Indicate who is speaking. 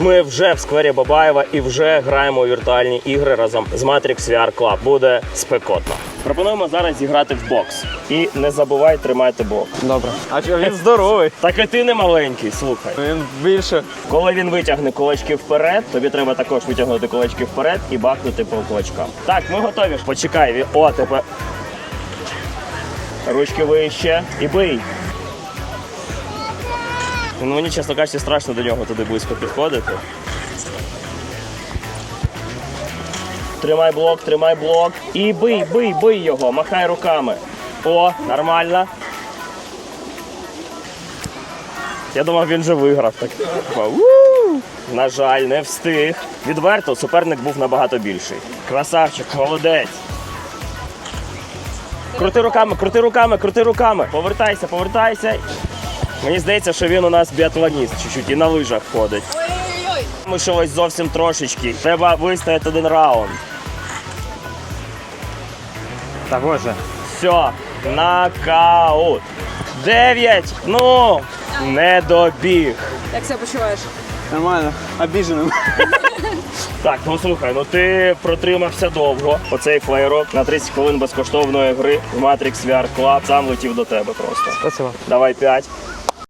Speaker 1: Ми вже в сквері Бабаєва і вже граємо у віртуальні ігри разом з Matrix VR Club. Буде спекотно. Пропонуємо зараз зіграти в бокс. І не забувай тримати блок.
Speaker 2: Добре. А що, він здоровий.
Speaker 1: Так і ти не маленький, слухай.
Speaker 2: Він більше.
Speaker 1: Коли він витягне кулачки вперед, тобі треба також витягнути кулачки вперед і бахнути по кулачкам. Так, ми готові. Почекай. О, тепер. Ручки вище. І бий. Ну, мені, чесно кажучи, страшно до нього туди близько підходити. Тримай блок. І бий його, махай руками. О, нормально. Я думав, він вже виграв. Так. На жаль, не встиг. Відверто, суперник був набагато більший. Красавчик, молодець. Крути руками. Повертайся. Мені здається, що він у нас біатлоніст чуть-чуть і на лижах ходить. Ми щось зовсім трошечки. Треба вистояти один раунд.
Speaker 2: Та боже.
Speaker 1: Все, нокаут. 9, ну, не добіг.
Speaker 3: Як себе почуваєш?
Speaker 2: Нормально. Обіженим.
Speaker 1: Так, ну слухай, ну ти протримався довго. Оцей флеєрок на 30 хвилин безкоштовної гри в Matrix VR Club сам летів до тебе просто.
Speaker 2: Спасибо.
Speaker 1: Давай 5.